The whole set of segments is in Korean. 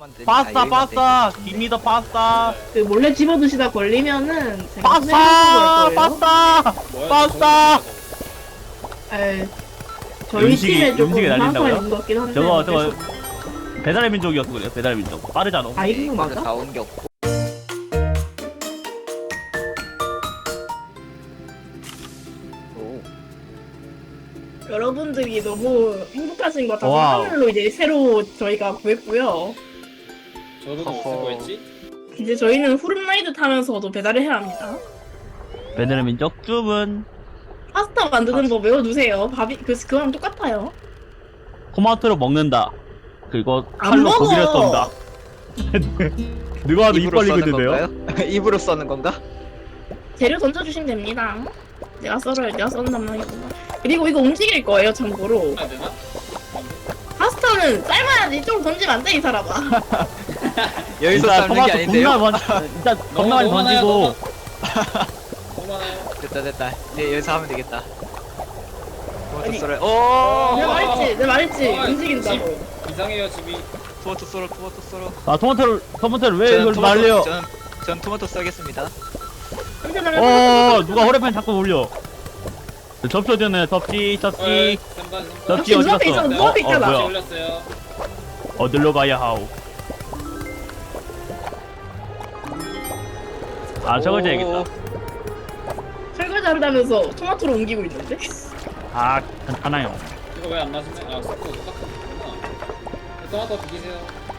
파스타 깁니다 파스타. 그 몰래 집어드시다 걸리면은 제가 파스타 손해볼 거예요. 파스타. 에이, 저희 음식이- 팀에 조금 음식이 날린다고요? 파스타 있는 것 같긴 한데 저거 어쩔 수 없- 배달의 민족이어서 그래요. 배달의 민족 빠르잖아. 아 이거 맞아? 다 옮겼고. 오. 여러분들이 너무 행복하신 것 같아서 와우. 하늘로 이제 새로 저희가 구했고요. 저도 무슨 허허. 거였지? 이제 저희는 후룸라이드 타면서도 배달을 해야 합니다. 배달의 민족 주문. 파스타 만드는 법 외워두세요. 밥이 그거랑 똑같아요. 토마토를 먹는다. 그리고 안 칼로 먹어! 고기를 썬다. 누가 봐도 입 입으로 벌리고 써는 있는데요? 건가요? 입으로 써는 건가? 재료 던져주시면 됩니다. 내가 썰어요. 내가 써는 담당이구나. 그리고 이거 움직일 거예요. 참고로 안 되나? 파스타는 삶아야지. 이쪽으로 던지면 안 돼 이 사람아. 여기서 일단 삶는 게 토마토 아닌데요? 일단 겁나 많이 너무 던지고 많아요, 너무 많아요. 됐다. 네, 여기서 하면 되겠다. 토마토 아니. 썰어. 오. 내가 말했지. 어, 움직인다고. 집 이상해요 집이. 토마토 썰어. 아 토마토를 왜 이걸 말려? 전 토마토 썰겠습니다. 누가 허리판 자꾸 올려. 접시 어디 있네? 접시 쌤반 접시 어디 눈앞에 갔어? 있잖아, 눈앞에 있잖아. 뭐야? 올렸어요. 어디로 가야 하오? 아 저거 줘야겠다. 설거지 한다면서 토마토를 옮기고 있는데? 아 괜찮아요. 이거 왜 안 맞으면 섞고 똑같구나. 토마토 비기세요.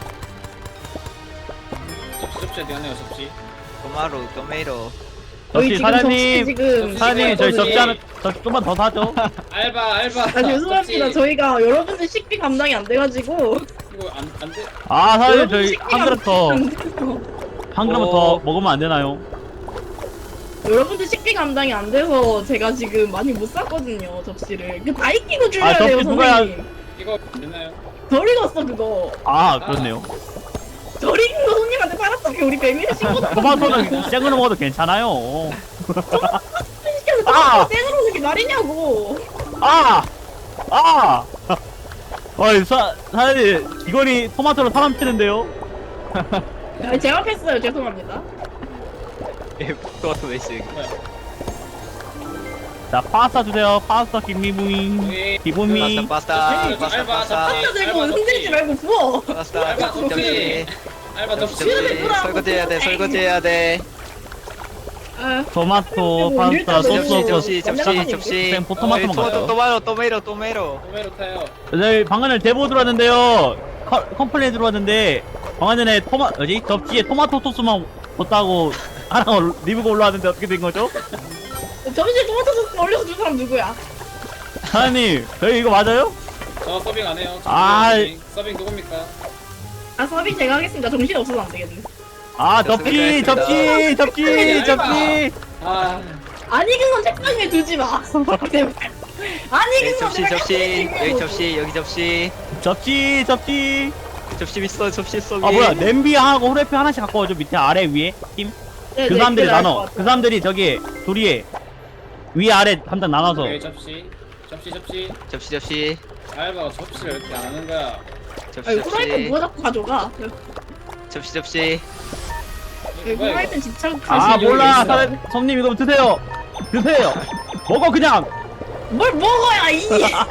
접시 어디 갔네요 접시. 토마토. 저희 접시 지금 접시 사장님 지금 사장님 저희 접시 있거든요. 하나 접시 좀만 더 사죠. 알바. 아 죄송합니다. 저희가 여러분들 식비 감당이 안 돼가지고 이거 안 돼. 아 사장님 여러분들 저희 식비 한 그릇 더 감당이 안 돼서. 한 그릇 더 먹으면 안 되나요? 여러분들 식비 감당이 안 돼서 제가 지금 많이 못 샀거든요 접시를. 다 익히고 줄여야 아, 돼요 접시 누가야- 선생님. 이거 됐나요? 덜 익었어 그거. 아 그렇네요. 덜 익은 거 손님한테 팔았던 게 우리 배민의 친구들. 토마토는 생으로 먹어도 괜찮아요. 시켜서 아! 생으로 오는 게 말이냐고. 어이 사장님 이건이 토마토로 사람 치는데요? 아, 제가 했어요. 죄송합니다. 토마토 베이스. 뭐야? 자 파스타 주세요. 파스타 김미무잉 여기 기분미. 파스타. 한자 들고 흔들지 말고 부어. 파스타. 접시. 알바 접시. 설거지해야 돼. 아, 토마토 파스타 소스 접시. 쌤 토마토만 가요. 토마토. 토메로 타요. 저희 방금 전에 제보 들어왔는데요. 컴플레인 들어왔는데 방금 전에 접시에 토마토 소스만 뒀다고 하나 리뷰가 올라왔는데 어떻게 된 거죠? 점심 토마토 소스 올려서 준 사람 누구야? 사장님 저희 이거 맞아요? 저 서빙 안 해요. 서빙 누굽니까? 아 서빙 제가 하겠습니다. 정신 없어서 안 되겠네. 아 접시 아, 안 익은 건 책상 위에 두지 마. 제발. 안 익은 건 내가 접시 있어. 접시 있어. 아 뭐야 냄비하고 후라이팬 하나씩 갖고 와줘. 밑에 아래 위에 팀. 네, 그 네, 사람들이 그래, 나눠. 알것 그 같아. 사람들이 저기 조리에 위 아래 담당 나눠서. 여기 접시. 접시. 알바가 접시를 이렇게 안 하는 거야. 아니 후라이팬 누가 자꾸 가져가? 접시. 네, 뭐야, 후라이팬 집착 아 가실 몰라 여유 있어. 손님 이거 드세요. 먹어 그냥. 뭘 먹어야 이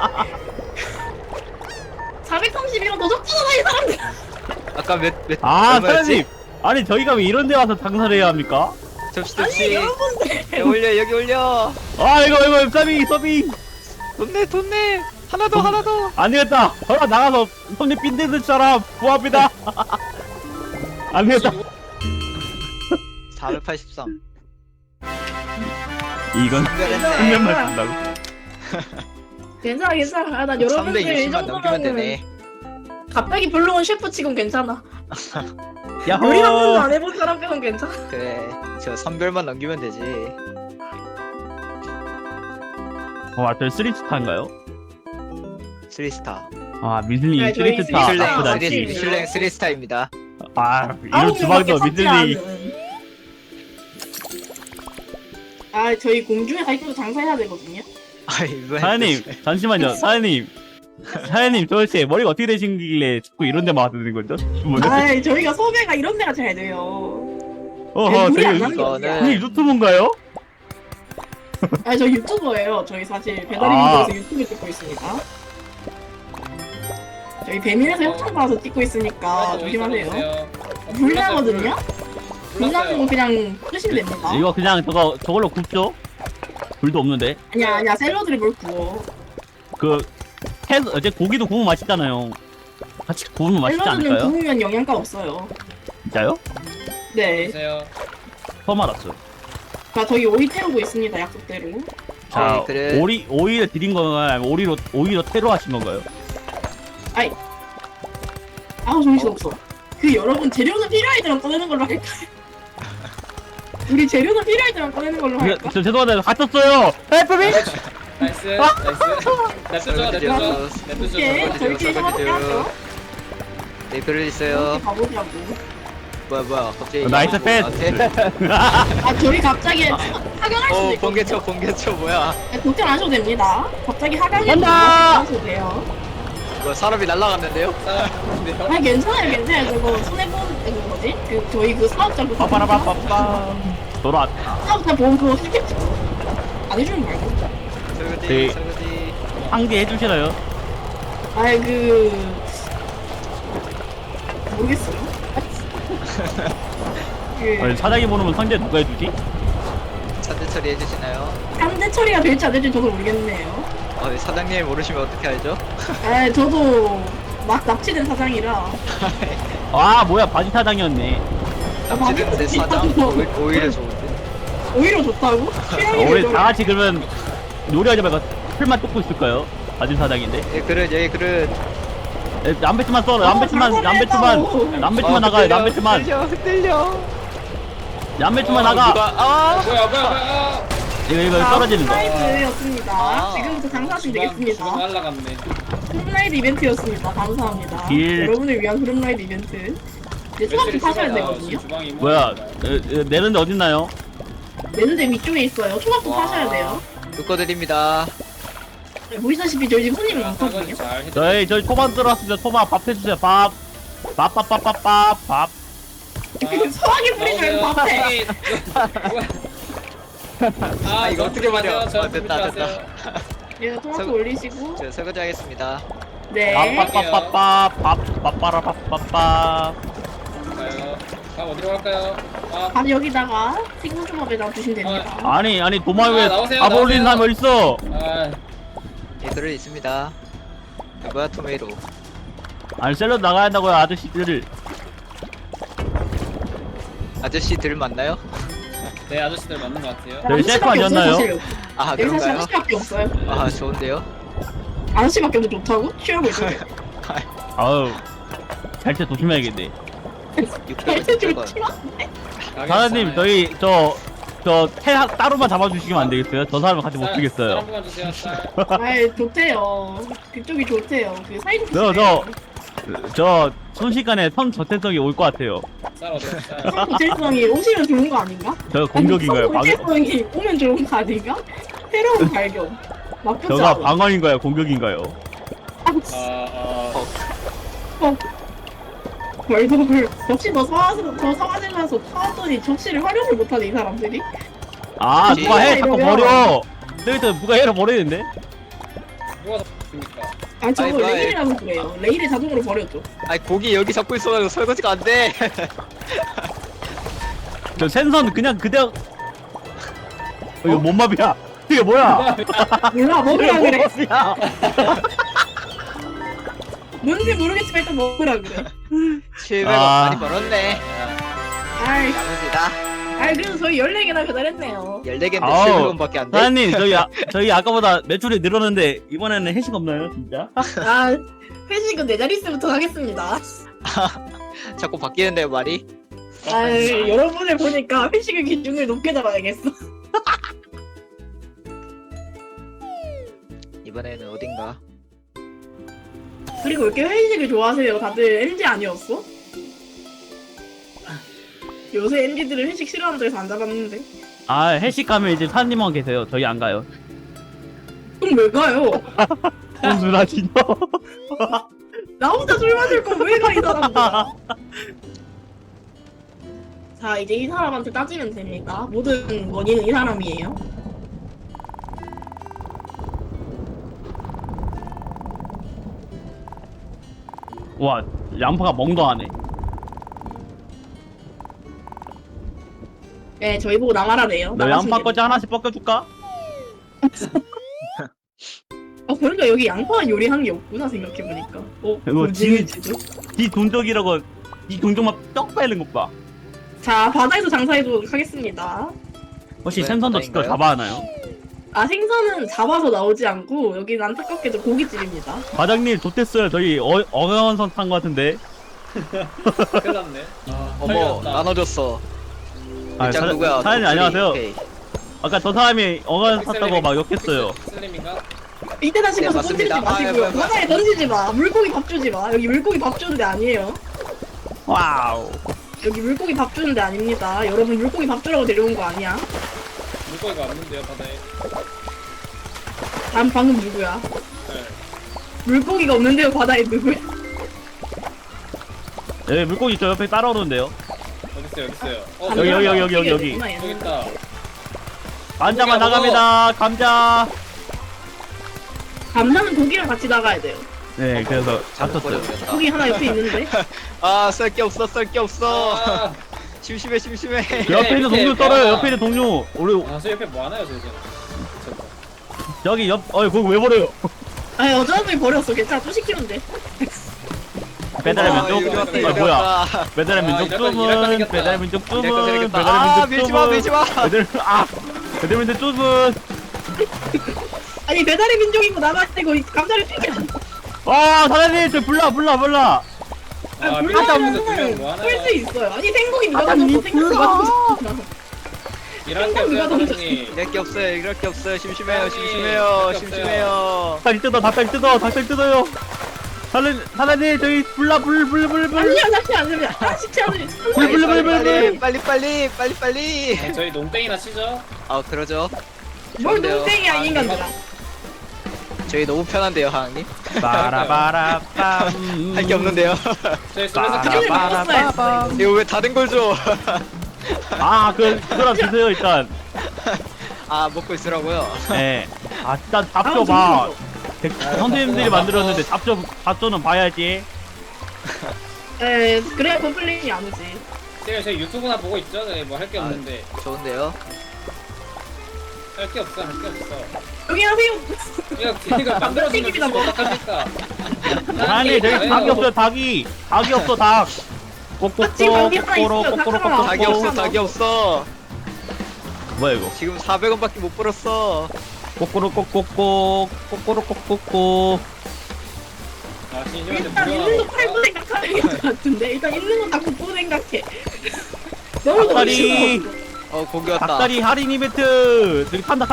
431원 더 적잖아 이 사람들. 아까 몇 아 얼마였지? 사장님 아니 저희가 왜 이런 데 와서 장사를 해야 합니까? 아니 여러분들 여기 올려. 아 이거 서빙 돈 내. 하나 더. 안 되겠다. 저랑 나가서 손님 빈대들처럼 구합니다. 안 되겠다. 483. 이건 특별했네. 한면만 준다고. 괜찮아. 아, 난 여러분들 이 320만 넘기면 정도면은 되네. 갑자기 불러온 셰프 치곤 괜찮아. 야호. 요리 한 번도 안 해본 사람 빼곤 괜찮아. 그래. 저 선별만 넘기면 되지. 저 3스타인가요? 3스타. 아 미슬링 네, 저희 3스타. 미슐랭, 나쁘다. 미슐랭. 미슐랭 3스타입니다. 아 이런 주방도 미슬링. 아 저희 공중에 가있어도 장사해야 되거든요. 아이, 왜? 사장님 잠시만요. 사장님 사장님 도대체 머리가 어떻게 되신길래 자꾸 이런 데만 와서 되는 거죠? 주문을? 아, 저희가 섭외가 이런 데가 잘 돼요. 어허 물이 안 되게 나는 게 어디야? 이거는- 유튜브인가요? 아, 저 유튜버예요. 저희 사실 아. 배달인들에서 유튜브 찍고 있습니다. 저희 배민에서 협찬 받아서 찍고 있으니까 조심하세요. 불나거든요? 불나는 거 그냥 끄시면 됩니다. 이거 그냥 저걸로 굽죠? 불도 없는데 아니야, 샐러드를 뭘 구워. 어제 고기도 구우면 맛있잖아요. 같이 구우면 맛있지 샐러드는 않을까요? 구우면 영양가 없어요. 진짜요? 네. 보세요. 처음 알았어요. 자, 저희 오이 태우고 있습니다, 약속대로. 자, 그래. 오이를 드린 건가요? 아니면 오이로 테러 하신 건가요? 아우, 정신없어. 그 여러분, 재료는 필요할 때만 꺼내는 걸로 할까요? 우리 재료는 필요할 때만 꺼내는 걸로 할까? 저 죄송한데 갇혔어요. 헬프미! 나이스. 냅두죠. 냅두죠. 오케이, 냅두죠. 저희끼리 상관없게 하죠. 네, 글을 이렇게 있어요. 가보자고. 뭐야, 갑자기. 나이스 패스. 아, 저희 갑자기 하강할 수도 있고. 번개쳐, 뭐야. 걱정 안 하셔도 됩니다. 갑자기 하강해도 간다! 하셔도 돼요. 뭐야, 사람이 날아갔는데요? 싸움인데요? 아, 괜찮아요. 저거 손해보는, 그 뭐지? 저희 그 사업자 그 빠빠라빠빠빠. 돌아왔다. 사업자 보험 그거 해줬지. 안 해주면 말고. 네. 설거지. 상계 해주시나요? 아이, 모르겠어요. 아니, 사장이 모르면 상대 누가 해주지? 차대 처리해주시나요? 상대 처리가 될지 안 될지 저도 모르겠네요. 네, 사장님 모르시면 어떻게 알죠? 아, 저도 막 납치된 사장이라. 아 뭐야 바지 사장이었네. 납치됐는데 사장? 오히려 좋은데? 오히려 좋다고? 우리 다 같이 그러면 요리하지 말고 풀만 뜯고 있을까요? 바지 사장인데. 예, 그릇. 남배추만 썰어. 남배추만 나가요. 남배추만 흔들려. 나가. 뭐야. 이거 떨어지는 거. 프라이드였습니다. 아. 지금부터 장사하시면 주방 되겠습니다. 날라갔네. 흐름라이드 이벤트였습니다. 감사합니다. 길. 여러분을 위한 흐름라이드 이벤트. 이제 초밥도 파셔야 되거든요. 뭐야? 내는데 어딨나요? 내는데 위쪽에 있어요. 초밥도 와. 파셔야 돼요. 묶어드립니다. 보시다시피 저희 지금 손님이 많거든요. 잘 해줘. 저희 토마 들어왔습니다. 토마 밥 해주세요. 밥. 밥. 서하게 뿌리지 말고 밥해. 아 이거 어떻게 말이야? 됐다. 예, 토마토 올리시고. 저 설거지 하겠습니다. 네. 밥빠빠빠. 가요. 밥 어디로 갈까요? 밥 여기다가 생선초밥에다 주시면 됩니다. 아니 도마 위에 나오세요, 밥 올리는 사람 나오세요. 어딨어? 예, 그릇 있습니다. 뭐야, 토메이로. 아니 샐러드 나가야 한다고요 아저씨들. 아저씨들 맞나요? 네 아저씨들 맞는 것 같아요. 저희 셀프 아니었나요? 아, 여기 사실 그런가요? 아저씨밖에 없어요. 아, 좋은데요? 아저씨밖에 없는데 좋다고? 취하고 있어요. 아우 잘때 조심해야겠네. 600원. 사장님 저희 태 따로만 잡아주시면 안 되겠어요? 저 사람은 같이 못 쌀 쓰겠어요. 한 번만 주세요. 쌀. 아이, 좋대요. 그쪽이 좋대요. 그 사이즈 저 순식간에 선 저태성이 올 것 같아요. 쌀 어디야? 쌀. 성고체성이 오시면 좋은 거 아닌가? 저 공격인가요? 성고체성이 오면 좋은 거 아닌가? 새로운 발견. 나쁘지 저가 않아. 방어인가요? 공격인가요? 뭘 역시 너 서화실 가서 타왔더니 접시를 활용을 못하네 이 사람들이. 아 누가 해? 자꾸 이러면- 버려. 저기서 누가 해를 버리는데? 누가 잡습니까? 아 저거 아이, 뭐야, 레일이라서 그래요. 레일을 자동으로 버렸죠. 아니, 고기 여기 잡고 있어가지고 설거지가 안 돼. 저 생선 그냥 그대로. 이거 뭔 맘이야? 이게 뭐야? 몰라 먹으라 그래. 야 뭔지 모르겠지만 일단 먹으라 그래. 700원 아. 많이 벌었네. 아이, 야무지다. 그래도 저희 14개나 배달했네요. 14개인데 아우, 700원밖에 안 돼? 사장님 저희 아까보다 매출이 늘었는데 이번에는 회식 없나요 진짜? 아 회식은 내 자릿수부터 하겠습니다. 자꾸 바뀌는데요, 말이? 아 여러분을 보니까 회식의 기준을 높게 잡아야겠어. 이번에는 어딘가? 그리고 왜 이렇게 회식을 좋아하세요? 다들 MZ 아니었어? 요새 MZ들은 회식 싫어한다고 해서 안 잡았는데. 아 회식 가면 이제 사장님만 계세요. 저희 안 가요. 그럼 왜 가요? 혼술하시죠? 나 혼자 술 마실 거 왜 가 이 사람들아. 자 이제 이 사람한테 따지면 됩니다. 모든 원인은 이 사람이에요. 와, 양파가 멍도하네. 네 저희 보고 나가라네요. 너 양파 거지 하나씩 벗겨줄까? 그러니까 여기 양파 요리하는 게 없구나 생각해보니까. 이거 진지도. 지 돈적이라고 이 동족만 쩍 빼는 것 봐. 자 바다에서 장사해보도록 하겠습니다. 혹시 네, 생선도 바다인가요? 직접 잡아하나요? 아 생선은 잡아서 나오지 않고 여기는 안타깝게도 고깃집입니다. 과장님 좋댔어요. 저희 어강원선 탄 것 같은데. 큰일 났네. 아, 어머 털렸다. 나눠줬어. 아, 장 누구야? 사장님 안녕하세요. 오케이. 아까 저 사람이 어강원선 탔다고 막 욕했어요. 슬림인가? 이때 다시 네, 가서 맞습니다. 던지지 마시고요. 아, 예, 바다에 던지지 마. 물고기 밥 주지 마. 여기 물고기 밥 주는 데 아니에요. 와우. 여기 물고기 밥 주는 데 아닙니다. 여러분 물고기 밥 주라고 데려온 거 아니야. 물고기가 없는데요 바다에. 방금 누구야? 네. 물고기가 없는데요 바다에 누구야? 네, 물고기 저 옆에 따라오는데요. 어딨어요 어딨어요. 여기. 여기 있다. 감자만 나갑니다. 감자. 감자는 고기랑 같이 나가야 돼요. 네, 그래서 잘못 잡혔어요. 버려버렸다. 고기 하나 옆에 있는데. 아, 썰 게 없어, 썰 게 없어. 아, 심심해, 심심해. 그 옆에 있는 동료 떨어요. 옆에 있는 동료. 우리 저 옆에 뭐 하나요 저 지금? 여기 거기 왜 버려요? 아니 어저분이 버렸어. 괜찮아. 또 시키면 돼. 배달의 아, 민족. 여기 왔다, 아, 여기 뭐야? 왔다. 배달의 아, 민족 이럴 거 주문. 생겼다. 배달의 민족 주문. 이럴 거 생겼다. 배달의 아, 민족 밀지 마, 밀지 마. 배달의 민족 주문. 아니 배달의 민족이고 나가지고 감자를 튀겨. 사장님 저 불나. 아, 불나면 불나면 뭐 하나요? 끌수 있어요. 아니 생고기 누가 사장님, 던졌어? 생고기 누가 던졌어? 일할 게 누가 없어요 던졌어? 사장님. 이럴 게 없어요, 이럴 게 없어요. 심심해요, 아니, 심심해요, 이럴 게 심심해요. 닭다리 뜯어요. 사장님 저희 불. 아니야 다시 안 되면 시치 않으면 빨리. 네, 저희 농땡이나 치죠? 아, 그러죠. 뭘 좋은데요. 농땡이야 이 인간들아. 저희 너무 편한데요, 하항님. 빠라바라빰. 할 게 없는데요. 저희 술에서 빠라바라빰. 이거 왜 다른 걸 줘? 그거랑 주세요 일단. 아, 먹고 있으라고요. 네. 일단 잡초 봐. 선생님들이 만들었는데 잡초는 봐야지. 에 그래야 컴플레인이 안 오지. 제가 저희 유튜브나 보고 있죠? 네, 뭐 할 게 없는데. 좋은데요. 할 게 없어 할 게 없어. 여기 하세요. 이거 만들어주면 튀김이나 주시면 먹어. 어떡합니까? 아니 저기 닭이 없어요 닭이 없어 닭. 지금 여기 하나 있어요, 닭 하나. 닭이 없어, 닭이 없어. 뭐야 이거? 지금 400원밖에 못 벌었어. 꼬꼬로꼬꼬꼬. 아 진심한테 일단 있는 거 팔고 생각하는 게 같은데 일단 있는 거 다 굽고 생각해. 너무 닭다리. 너무 고기 왔다. 닭다리 할인 이벤트. 저기 탄다.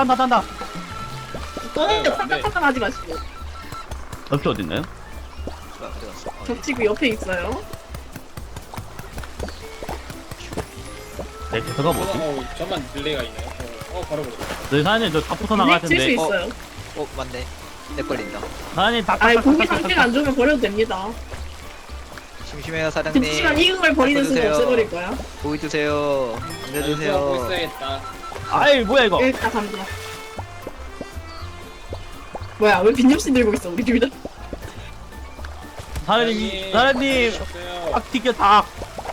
너무 탁탁탁 하지 마시고 옆에 어딨나요? 겹치고 옆에 있어요. 네, 대서가 뭐지? 저만 딜레이가 있네요. 바로 그래. 저희 사장님 저 닭부터 나갈 칠수 텐데. 있어요. 맞네. 내 걸린다. 사장님 아이 고기 상태가 안 좋으면 버려도 됩니다. 심심해요, 사장님. 그렇지만 익은 걸 버리는 순간 드세요. 없애버릴 거야. 고기 드세요. 감자 보고 드세요. 있어야겠다. 아이 뭐야 이거? 일단 감자. 뭐야 왜 빈접시 들고 있어 우리 둘 다? 사장님 없어요. 닭 튀겨 닭.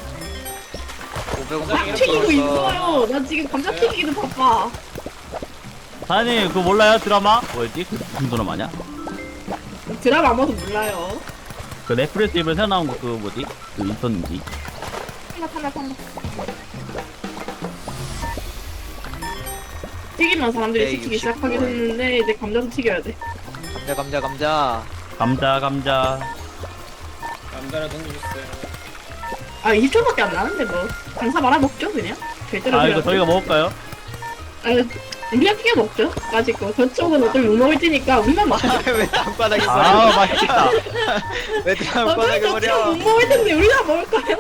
500원 닭 튀기고 있어요. 나 지금 감자 튀기기도 바빠. 사장님 그거 몰라요 드라마? 뭐였지? 그 무슨 드라마냐? 드라마 아마도 몰라요. 그 넷플릭스 이번에 새로 나온 거 그 뭐지? 그 있었는지. 탄다. 튀기면 사람들이 네, 시키기 69원. 시작하긴 했는데 이제 감자도 튀겨야 돼. 감자. 감자. 남자를 던져주세요. 아 20초밖에 안 나는데 뭐 장사 말아 먹죠 그냥. 절대로 이거 저희가 먹을까요? 우리가 튀겨 먹죠. 가지고 저쪽은 어차피 못 먹을 테니까 우리만 먹자. 왜 땅바닥에 버려? 맛있겠다. 왜 땅바닥에 저쪽은 버려? 못 먹을 텐데 우리가 먹을까요?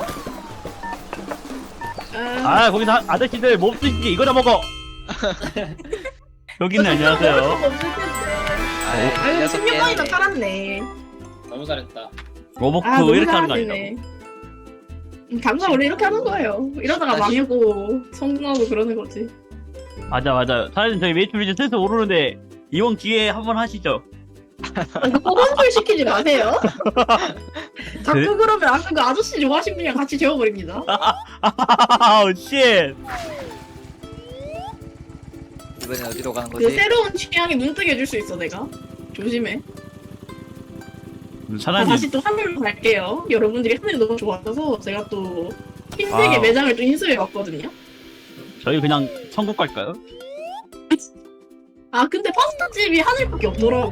거기서 아저씨들 몹쓰시지 이거나 먹어. 여기는 안녕하세요. 없을 텐데. 아유, 녀석 16번이나 깨네. 살았네. 너무 잘했다. 로버크 아, 너무 이렇게 하는 거 잘하시네. 아니야? 감사 원래 이렇게 하는 거예요. 이러다가 다시. 망하고 성공하고 그러는 거지. 맞아. 사장님 저희 매출 이제 슬슬 오르는데 이번 기회에 한번 하시죠. 허건술 시키지 마세요. 자꾸 네? 그러면 아까 그 아저씨 좋아하신 분이랑 같이 재워버립니다. 아우 쉣. 이번엔 어디로 가는 그 거지? 새로운 취향에 눈뜨게 해줄 수 있어 내가. 조심해. 사장님 다시 또 하늘로 갈게요. 여러분들이 하늘이 너무 좋아서 제가 또 흰색의 아. 매장을 또 인수해왔거든요. 저희 그냥 천국 갈까요? 아 근데 파스타집이 하늘밖에 없더라고.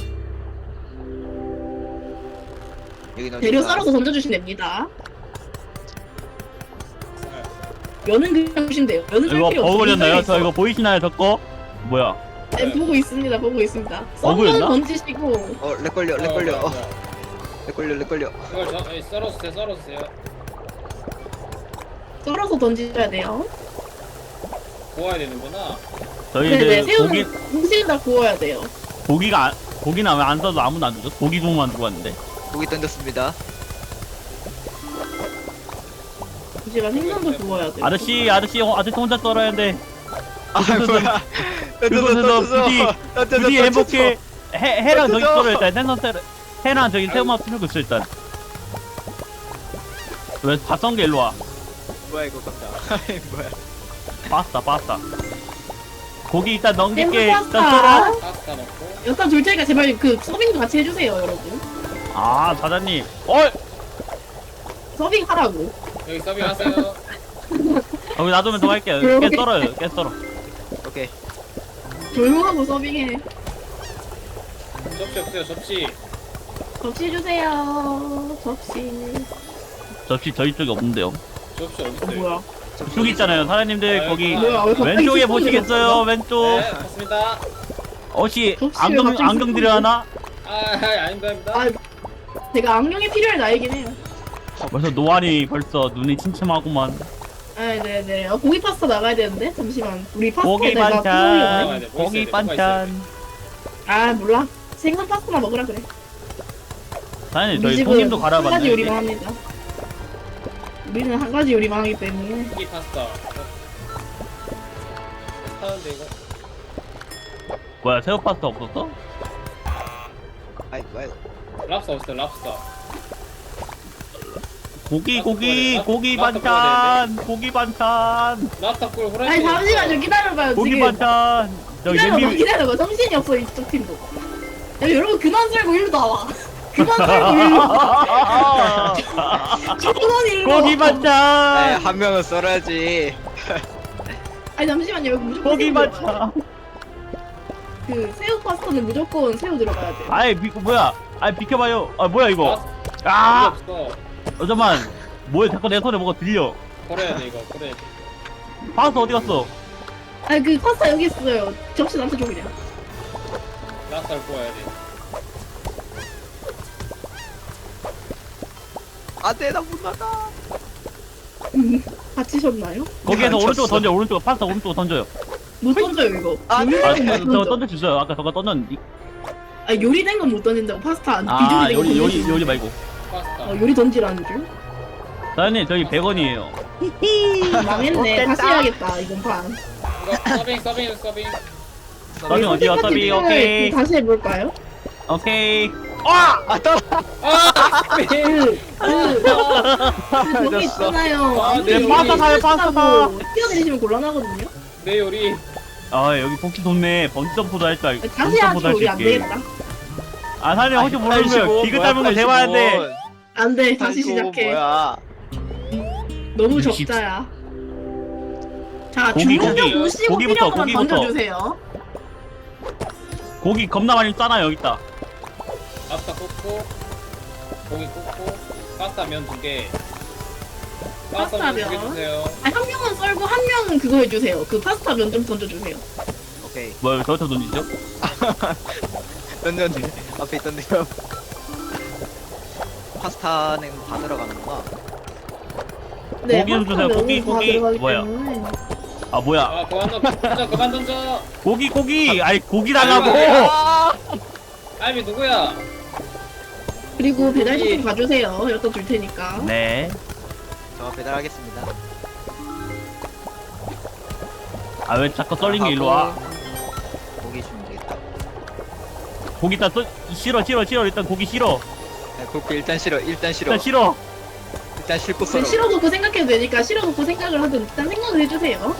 여기는 재료 어디가? 썰어서 던져주시면 됩니다. 면은 그냥 주시면 돼요. 면은 썰 이거 필요 없어. 버그렸나요? 있어. 저 이거 보이시나요? 저 거? 뭐야? 네, 보고 있습니다. 보고 있습니다. 버그였나? 썰면 던지시고 렉 걸려. 렉 걸려. 이걸 썰어주세요. 썰어주세요. 썰어서 던지셔야 돼요. 구워야 되는구나. 저희 네네, 이제 새우는 음식을 다 구워야 돼요. 고기는 왜 안 써도 아무도 안 주죠? 고기 국만 들고 왔는데. 고기 던졌습니다. 잠시만 생선도 구워야 돼요. 아저씨 혼자 썰어야 하는데 아 뭐야? 그거는 부디 행복해. 해랑 저기 썰어 일단 생선 썰어. 해랑 저기 새우만 풀고 있어 일단. 왜 다 썬 게 일로 와? 뭐야 이거 깜짝. 뭐야? 파스타. 고기 일단 넘길게. 생선 일단 파스타. 썰어. 파스타 넣고. 여기다 둘 테니까 제발 그 서빙도 같이 해주세요, 여러분. 아 사장님. 서빙 하라고. 여기 서빙하세요. 여기 놔두면 더 할게요. 그러게. 깨 썰어요. 깨 썰어. 오케이. 조용하고 서빙해. 접시 없어요. 접시. 접시 주세요. 접시. 접시 저희 쪽에 없는데요. 접시 어디 있어요? 뭐야? 쭉 있잖아요. 사장님들 거기 뭐야? 왜 갑자기 왼쪽에 스푼을 보시겠어요? 넣었어? 왼쪽. 네, 맞습니다. 혹시 접시 왜 갑자기 안경 드려 하나? 아닙니다. 아, 제가 안경이 필요할 나이긴 해요. 벌써 노안이 벌써 눈이 침침하구만. 아, 네네. 고기 파스타 나가야 되는데 잠시만. 우리 파스타 고기 내가 반찬. 먹어야 돼, 뭐 고기 있어야 돼, 뭐가 반찬. 아 몰라. 생선 파스타나 먹으라 그래. 사장님 우리 저희 집은 손님도 한 가지 갈아봤나요? 요리만 합니다. 우리는 한 가지 요리만 하기 때문에. 고기 파스타. 하는데 이거. 뭐야 새우 파스타 없었어? 아이고. 랍스터 없어요. 랍스터. 고기 반찬. 고기 반찬. 랍스터 꿀 후라이. 아니 잠시만 좀 기다려봐요. 고기 지금 반찬. 저기 기다려봐 냄비 기다려봐. 정신이 없어 이쪽 팀도. 야 여러분 그만 살고 일로 나와. 그만 살고 일로 와. 저건 일로 와. 고기 반찬. 한 명은 썰어야지. 아니 잠시만요. 여기 무조건 고기 새우 들어가요. 반찬. 그 새우 파스타는 무조건 새우 들어가야 돼. 아이 뭐야? 아이 비켜봐요. 아 뭐야 이거? 아. 아 없어. 잠깐만. 뭐야 자꾸 내 손에 뭐가 들려? 버려야 돼 이거. 버려야 돼. 파스타 어디 갔어? 아니 그 파스타 여기 있어요. 접시 나한테 줘 그냥. 랍스터를 구워야 돼. 안돼 나 못 나가. 다치셨나요? 거기에서 안 오른쪽 쳤어. 던져. 오른쪽 파스타 오른쪽 던져요. 못 던져요 이거. 아, 네. 아, 요리된 건못 저거 던져. 던질 수 있어요. 아까 저거 던졌는데. 아 요리된 건 못 던진다고 파스타 안 아, 비조리된 건 던질 수 요리 있는데. 말고. 파스타. 요리 던지라는 줄? 사장님, 저희 100원이에요. 망했네. 다시 해야겠다 이번 판. 이거 서빙. 서빙 어디요? 서빙, 오케이. 다시 해볼까요? 오케이. 아 떠나. 저기 있잖아요. 아, 네, 파스타 사요, 파스타 사. 뛰어내리시면 곤란하거든요. 내 요리. 아, 여기 복지 좋네. 번지점프도 할 줄 알고. 다시 하죠. 우리 안 되겠다. 아, 사장님, 혹시 모르면 기그 닮은 거 대화하는데. 안 돼. 다시 시작해. 뭐야? 너무 60. 적자야. 자, 고기, 주문 좀 고기. 보시고 고기부터, 필요한 것만 고기부터. 던져주세요. 고기 겁나 많이 싸나, 여기 있다. 랍스터 꽂고. 고기 꽂고. 파스타 면 2개. 파스타 면 2개 파스타 면. 주세요. 아니, 한 명은 썰고 한 명은 그거 해주세요. 그 파스타 면 좀 던져주세요. 오케이. 뭐, 저부터 던지죠? 던졌네. 앞에 있던데요. 파스타는 다 들어가는구나. 고기 좀 주세요. 파스타 고기, 면은 다 고기. 들어가기 뭐야? 때문에. 아, 뭐야. 그만 던져. 그만 던져. 고기. 아이, 고기 달라고! 아! 알비 누구야? 그리고 배달시켜 가주세요. 여기다 줄 테니까. 네. 저 배달하겠습니다. 아 왜 자꾸 썰린 게 일로 와? 고기 주면 되겠다. 고기 일단 싫어 일단 고기 싫어. 네, 고기 일단 싫어. 일단 싫어. 일단 싫어. 일단 싫고 네, 썰어. 싫어놓고 생각해도 되니까 싫어놓고 생각을 하든 일단 생각을 해주세요.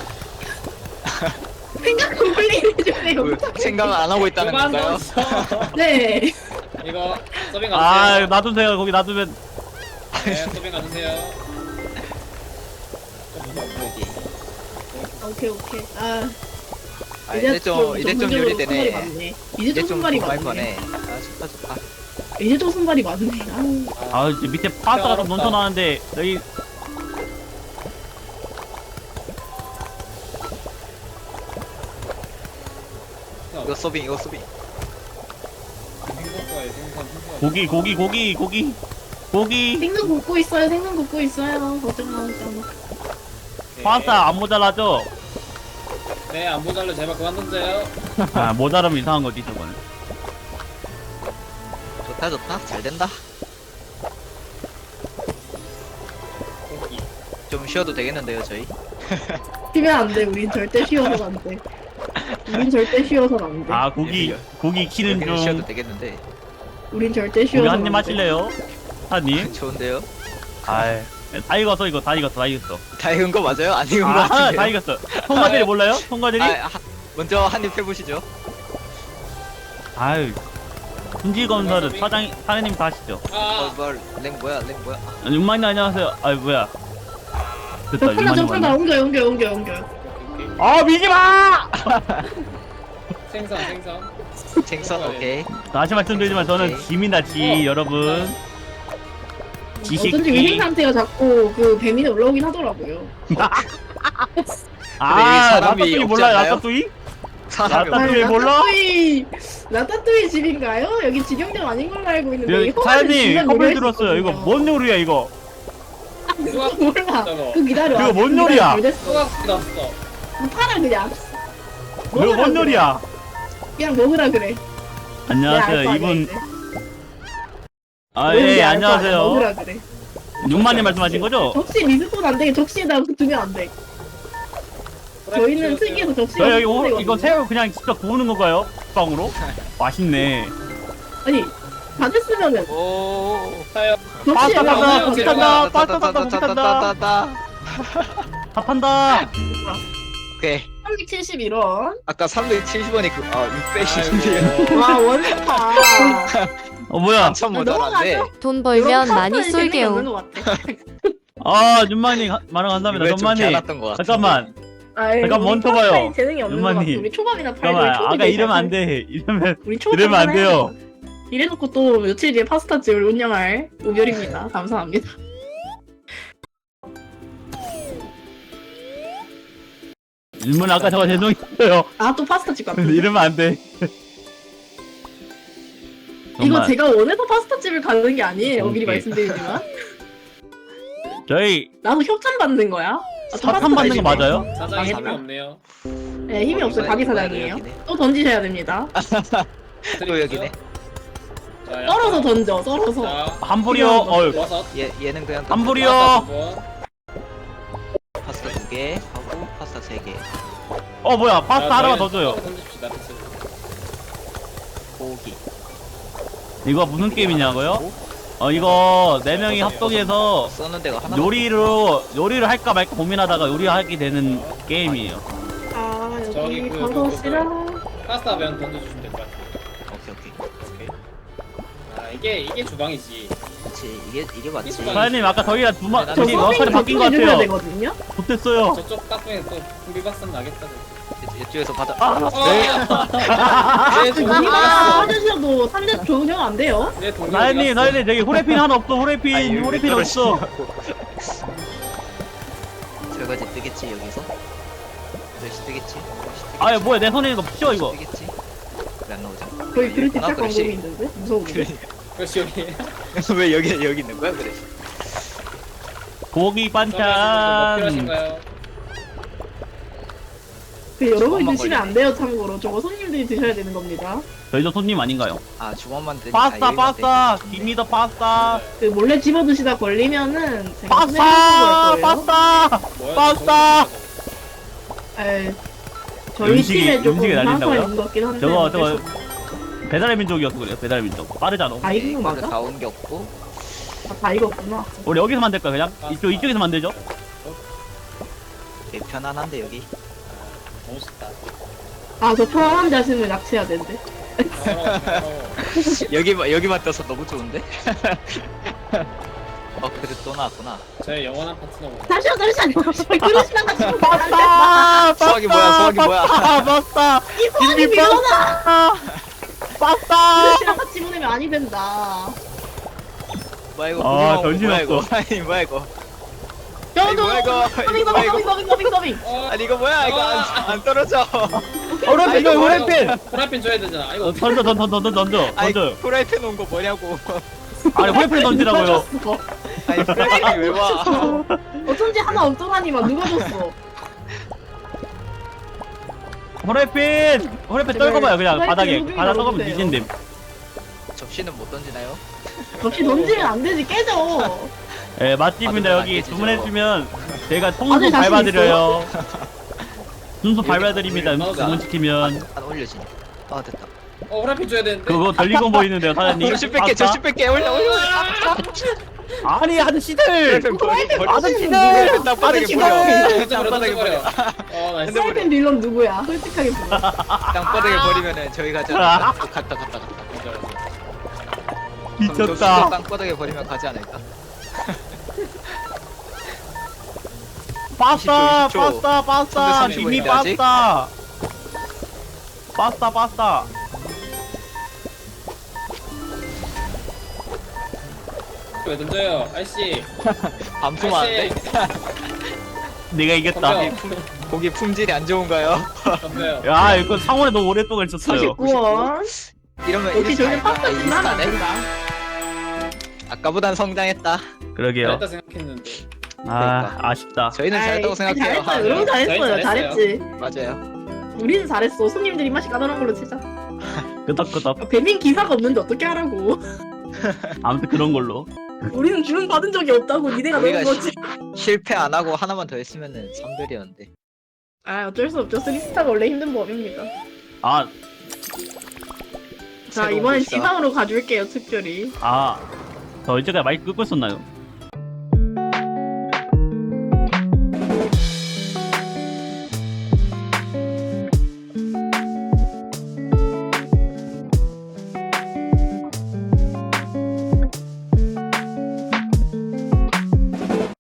생각 컴플레인 해주세요. 왜, 생각을 안 하고 있다는 그만 건가요? 넣었어. 네. 이거 서빙 아 가주세요. 놔두세요. 거기 놔두면 네, 서빙 가주세요. 좀 무섭고. 오케이. 아, 아, 이제 좀 본격적으로 요리되네. 손발이 많네. 이제 좀 좀 손발이 많이 많네. 거네. 아 좋다. 이제 좀 손발이 많네. 아우. 아 이제 밑에 파스타가 좀 어렵다. 넘쳐나는데 여기 이거 서빙. 생선과의 생선. 고기 생선 굽고 있어요. 생선 굽고 있어요. 걱정 마. 파스타 안 모자라죠? 네, 안 모자라 제발 그만 던져요. 아 모자라면 이상한 거지 저거는. 좋다. 잘 된다. 고기. 좀 쉬어도 되겠는데요 저희? 쉬면 안 돼. 우린 절대 쉬어서는 안 돼. 우린 절대 쉬어서는 안 돼. 아 고기 키는 여기는 쉬어도 중. 되겠는데. 우린 절대 고기 쉬어서는 한 입 안 돼. 하실래요? 사님? 좋은데요? 아이 다 익었어 이거 다 익었어. 다 익은 거 맞아요? 안 익은 거 아 같은데요? 다 익었어. 통과들이 몰라요? 통과들이? 먼저 한 입 해보시죠. 아유 분지 건설은 사장님 다 하시죠. 아, 랭 뭐야? 6만님 안녕하세요. 아이 뭐야? 됐다 접근다 6만님 왔네. 옮겨. 오케이. 아 미지 마! 생선. 생선 오케이. 다시 말씀드리지만 저는 오케이. 지입니다 지 여러분. 어쩐지 지식기. 위생 상태가 자꾸 그 배민에 올라오긴 하더라고요. 아 사람이 라따뚜이 없지 몰라요 않나요? 라따뚜이? 사람이 라따- 라따뚜이 몰라? 라따뚜이 집인가요? 여기 직영점 아닌 걸로 알고 있는데 여기 이거 사장님 커플 들었어요. 이거 뭔 요리야 이거? 몰라. 저거. 그 기다려. 그거 뭔 요리야? 수박 뜯었어. 팔아 그냥. 이거 먹으라 뭔 그래. 요리야? 그냥 먹으라 그래. 안녕하세요 내가 알 거 아니야, 이분. 이제. 아 뭔지 예 알 거 아니야, 안녕하세요. 먹으라 그래. 6만님 말씀하신 거죠? 접시 리스폰 안 되게 접시에다 두면 안 돼. 저희는 특이해서 접시가 저 여기 리스폰되거든요. 이거 새우 그냥 직접 구우는 건가요? 빵으로? 맛있네. 아니 다 됐으면은 오. 사요. 접시에 빠따, 다 고기 탄다, 빠따, 고기 탄다. 다 판다. 오케이. 371원. 아까 370원이 610인데요. 와 원파. 뭐야? 한참 모자란데. 돈 벌면 많이 쏠게요. 아 윤만님 말을 한답니다. 이걸 좀 윤만님 개안았던 것 같아. 잠깐만. 아이, 잠깐 우리 멈춰봐요. 파스타에 재능이 없는 것 같아. 윤만님. 우리 초밥이나 팔고 잠깐만 초밥이 아까 이러면 안 돼. 우리 초밥 이러면 안 하나 돼요. 해요. 이래놓고 또 며칠 뒤에 파스타집을 운영할 우별입니다. 감사합니다. 윤만 아까 저거 죄송했어요. 아 또 파스타집 같은. 이러면 안 돼. 이거 정말 제가 원해서 파스타집을 가는 게 아니에요. 미리 오케이. 말씀드리지만. 저희 나도 협찬 받는 거야. 아, 또 사탕 받는 거 파스타집이네. 맞아요? 사장이 힘이 망했다. 없네요. 네 힘이 없어요. 가게 사장이에요. 여기네. 또 던지셔야 됩니다. 또 여기네. 자, 썰어서 던져. 썰어서. 자, 한불이요. 어휴. 버섯. 얘는 그냥 한불이요. 파스타 2개 하고 파스타 3개. 뭐야 파스타 하나만 더 줘요. 던집시다. 고기. 이거 무슨 게임이냐고요? 이거 4명이 합동해서 써는 데가 하나. 요리를 할까 말까 고민하다가 요리하게 되는 게임이에요. 아 저기 여기 그 버섯이랑. 파스타 면 던져주시면 될 것 같아요. 오케이. 아 이게 주방이지. 그렇지. 이게 맞지. 사장님 아까 저희가 저 둘이 역할이 서빙 바뀐 것 해줘야 같아요. 되거든요. 못됐어요. 저쪽 깍두기에 또 구비박산 나겠다고. 이쪽에서 받아. 네, 우리가 동료가 하셔도 상대 좋으면 안 돼요. 내 동료. 사장님 저기 후레핀 하나 없어. 후레핀 없어. 설거지 뜨겠지 여기서? 그릇이 뜨겠지? 아 뭐야 내 손에 있는 거 피워 이거. 뜨겠지? 왜 안 나오지? 거의 그릇 하나 뒷짝 그릇이. 광고이 있는데 무서운데. 그렇지 여기. 왜 여기 있는 거야 그래? 고기 뭐 반찬. 필요하신가요? 그 여러분이 주먹만 드시면 안 돼요 참고로. 저거 손님들이 드셔야 되는 겁니다. 저희도 손님 아닌가요? 아 주먹만 드. 파스타 파스타 김이더 파스타 그 몰래 집어 드시다 걸리면은 제가 파스타 손해볼 거예요. 파스타 뭐야, 파스타! 에이, 저희 음식이- 팀에 조금 음식이 상처가 날린다고요? 있는 것 같긴 한데. 저거 어쩔 수 저거 없- 배달의 민족이어서 그래요. 배달의 민족 빠르잖아. 아 이거 맞아? 다 옮겼고. 다 익었구나. 우리 여기서 만들까 그냥? 이쪽에서 만들죠? 되게 편안한데 여기. 너무 쉽다. 아 저 편안한데 하시면 납치해야 되는데. 여기만 떠서 너무 좋은데? 그래 또 나왔구나. 저의 영원한 파트너가. 잠시만 그러시면 같이 파스타! 수학이 뭐야, 수학이 뭐야. 파스타! 이 손이 밀어놔. 파스타! 그릇이랑 같이 보내면 아니 된다. 뭐야 이거? 아, 고기만 정신 뭐야, 이거? 없어. 아니 뭐야 이거? 저도 뭐야, 이거? 서빙 뭐야, 이거? 서빙. 아니 이거 뭐야 이거 안 떨어져. 오른편 이거 오른편! 프라이팬 줘야 되잖아. 이거 던져. 아니 프라이팬 온 거 뭐냐고. 아니 후라이팬 던지라고요. 아니 프라이팬이 왜 와? 어쩐지 하나 없더라니만 누가 줬어. 후라이팬 떨궈봐요 그냥 후라이팬 바닥에. 소중히 바닥 떨궈면 넣어주세요. 뒤진댐. 접시는 못 던지나요? 역시 던지면 안 되지 깨져. 예 맛집입니다. 다들 여기 안 깨지죠. 주문해주면 제가 다들 통수 자신 밟아드려요. 순수 밟아드립니다. 여기 주문시키면. 안 올려지네. 아 됐다. 프라이팬 줘야 되는데. 그거 덜리고 보이는데요 사장님. 저시 뺄게 올려. 아니 아저씨들! 프라이팬 버려. 아저씨들! 땅바닥에 아저씨들! 버려. 던져버려, 땅바닥에 던져버려. 버려. 나이스. 프라이팬 딜런 누구야? 솔직하게 물어. 땅바닥에 버리면은 저희 가지 않을까? 갔다. 미쳤다. 땅바닥에 버리면 가지 않을까? 파스타! 20초. 파스타! 파스타! 335 김이 인데, 아직? 파스타! 파스타! 왜 던져요, 아저씨? 반품 안 돼? 내가 이겼다. 던져. 고기 품질이 안 좋은가요? 던져요. 야 이거 상온에 너무 오랫동안 있었어요. 49원. 이러면 역시 저희는 인스타 파스타 아닐까? 주면 안 인스타네? 된다. 아까보단 성장했다. 그러게요. 잘했다 생각했는데. 아 아쉽다. 저희는 잘했다고 생각해요. 잘했어요. 여러분 잘했어요. 저희 잘했지. 맞아요. 우리는 잘했어. 손님들이 맛이 까다로운 걸로 치자. 끄덕끄덕. 배민 기사가 없는데 어떻게 하라고. 아무튼 그런 걸로. 우리는 주문 받은 적이 없다고 니네가 우리가 넣은 거지. 실패 안 하고 하나만 더 했으면은 3별이었는데. 아 어쩔 수 없죠. 3스타가 원래 힘든 법입니다. 아 자 이번엔 지상으로 가줄게요 특별히. 저 이제까지 마이크 끄고 있었나요?